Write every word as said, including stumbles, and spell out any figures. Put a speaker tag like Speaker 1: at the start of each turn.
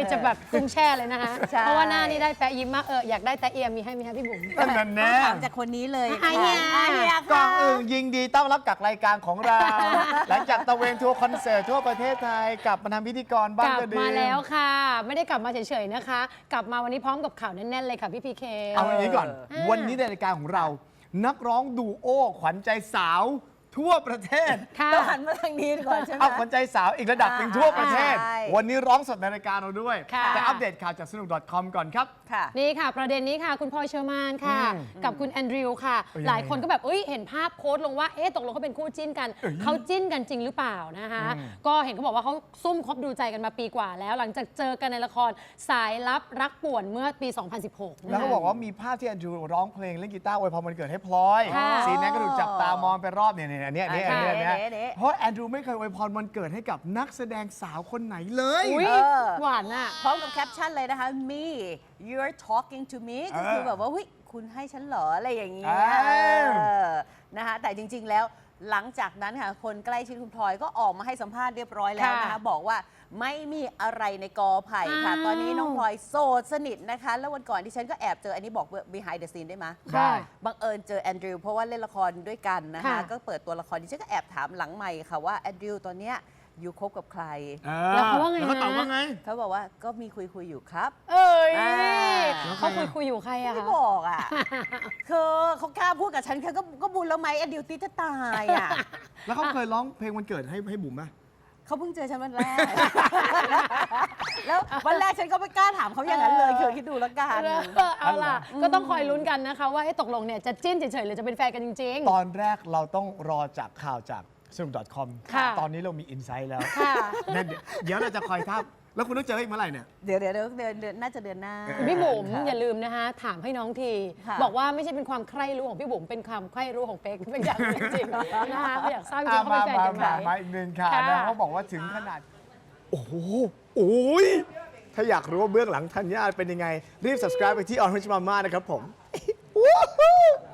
Speaker 1: จะแบบกุ้งแช่เลยนะคะเพราะว่าหน้านี่ได้แปะยิ้มมากเอออยากได้แต่เอียมีให้ไหมคะพี่บุ๋ม
Speaker 2: นั่นแน่
Speaker 3: ถามจากคนนี้เลย
Speaker 1: ไอ้เหี้ย
Speaker 3: ไอ้เหี้ย
Speaker 2: ก่อ
Speaker 3: ค่ะ
Speaker 2: นอื่นยิงดีต้อนรับกับรายการของเรา หลังจากตะเวนทัวร์คอนเสิร์ตทั่วประเทศไทยกลับมาทำพิธีกรบ้าง
Speaker 1: กลั
Speaker 2: ก็
Speaker 1: บ
Speaker 2: ดี
Speaker 1: มาแล้วค่ะ ไม่ได้กลับมาเฉยๆนะคะ กลับมาวันนี้พร้อมกับข่าวแน่นๆเลยค่ะพี่พีเค
Speaker 2: เอาอย่างนี้ก่อน
Speaker 1: เออ
Speaker 2: วันนี้ในรายการของเรา นักร้องดูโอขวัญใจสาวทั่วประเทศ
Speaker 1: ค่ะ
Speaker 3: ต้องหันมาทางนี้ก่อนใช่ไหม
Speaker 2: เอาขวัญใจสาวอีกระดับหนึ่งทั่วประเทศ
Speaker 3: ใช่
Speaker 2: วันนี้ร้องสดในรายการเราด้วย
Speaker 1: ค่ะ
Speaker 2: แต่อัปเดตข่าวจากสนุก .com ก่อนครับ
Speaker 3: ค่ะ
Speaker 1: นี่ค่ะ ประเด็นนี้ค่ะ คุณพลอยเชอร์มานค่ะ
Speaker 2: อืม
Speaker 1: กับคุณแอนดริวค่ะ
Speaker 2: เอ้ย
Speaker 1: หลายคนก็แบบเอ้ยเห็นภาพโค้ดลงว่าเอ๊ะตกลงเขาเป็นคู่จิ้นกัน
Speaker 2: เอ้ย
Speaker 1: เขาจิ้นกันจริงหรือเปล่านะคะ
Speaker 2: อืม
Speaker 1: ก็เห็นเขาบอกว่าเขาซุ่มคบดูใจกันมาปีกว่าแล้ว หลังจากเจอกันในละครสายลับรักป่วนเมื่อปี สองพันสิบหก
Speaker 2: แล้วก็บอกว่ามีภาพที่แอนดรูร้องเพลงเล่นกีตาร์อวยพรวันเกิดให้พลอย
Speaker 1: ค่ะ
Speaker 2: สีนั้นก็ถูกจับตามองไปรอบเนี่ยเนี่ยอันเนี้ยอันเนี้ยอันเนี้ยอันเนี้ย
Speaker 3: เด๊ะ
Speaker 2: เพราะแอนดรูไม่เคยอวยพรวันเกิดให้กับนักแสดงสาวคนไหนเลย
Speaker 1: อุ้ย
Speaker 3: เออ
Speaker 1: หวานอ่ะ
Speaker 3: พร้อมกับแคปชั่นเลยนะคะ me you're talking to me ก็คือแบบว่าเฮ้ยคุณให้ฉันเหรออะไรอย่างเงี้ย
Speaker 2: เออ
Speaker 3: เออนะคะแต่จริงๆแล้วหลังจากนั้นค่ะคนใกล้ชิดคุณพลอยก็ออกมาให้สัมภาษณ์เรียบร้อยแล้วนะคะ
Speaker 1: ค่ะ
Speaker 3: บอกว่าไม่มีอะไรในกอไผ่ค่ะ
Speaker 1: อ้าว
Speaker 3: ตอนนี้น้องพลอยโสดสนิทนะคะ แล้ววันก่อนที่ฉันก็แอบเจออันนี้บอก behind the scene ได้ไหม
Speaker 2: ได้
Speaker 3: บังเอิญเจอแอนดริวเพราะว่าเล่นละครด้วยกันนะคะ
Speaker 1: ค่ะ
Speaker 3: ก็เปิดตัวละครดิฉันก็แอบถามหลังใหม่ค่ะว่าแอนดริวตอนเนี้ยอยู่คบกับใคร
Speaker 1: แล้วเขาว่าไง
Speaker 2: แล้วเขาตอบ
Speaker 1: นะ
Speaker 2: ว่าไง
Speaker 3: เขาบอกว่าก็มีคุยคุยๆอยู่ครับ
Speaker 1: เอ้ย
Speaker 3: อ่า
Speaker 1: เขาคุยคุยอยู่ใครอะ
Speaker 3: ไม่
Speaker 1: คะ
Speaker 3: บอกอ่ะ คือเขากล้าพูดกับฉันแค่ก็ก็บุญแล้วไหมแอนดริวติจะตายอ่ะ
Speaker 2: แล้วเขาเคยร้องเพลงวันเกิดให้ให้บุ๋มไหม
Speaker 3: เขาเพิ่งเจอฉันวันแรก แล้ววันแรกฉันก็ไม่กล้าถามเขาอย่างนั้นเลยคือคิดดูแล้วกัน
Speaker 1: เออเอาล่ะ ก็ต้องคอยลุ้นกันนะคะ ว่าให้ตกลงเนี่ยจะจิ้นเฉยๆหรือจะเป็นแฟนกันจริง
Speaker 2: ตอนแรกเราต้องรอจากข่าวจากสนุก .com
Speaker 1: ค่ะ
Speaker 2: ตอนนี้เรามีอินไซต์แล้ว
Speaker 1: ค่ะ
Speaker 2: นั่นเดี๋ยวเดี๋ยวเราจะคอยทับแล้วคุณต้องเจออีกเมื่อไหร่เนี่ย
Speaker 3: เดี๋ยวเดี๋ยวเดี๋ยวเดือนเดือนน่าจะเดือนหน้า
Speaker 1: ๆ พี่บุ๋ม
Speaker 3: ค่ะ
Speaker 1: อย่าลืมนะคะ ถามให้น้องที
Speaker 3: ค่ะ
Speaker 1: บอกว่าไม่ใช่เป็นความใคร่รู้ของพี่บุ๋มเป็นความใคร่รู้ของเป๊กเป็นอย่างจริงๆนะคะอยากทราบจริงๆเขา
Speaker 2: มา
Speaker 1: เป็นแฟน
Speaker 2: มา
Speaker 1: กันไหม
Speaker 2: มามาอีกหนึ่งข่าว
Speaker 1: ค่ะ
Speaker 2: นะเขาบอกว่าถึงขนาด โอ้โหโอ้ยถ้าอยากรู้ว่าเบื้องหลังธัญญาเป็นยังไง รีบ subscribe ไปที่ Orange Mama นะครับผม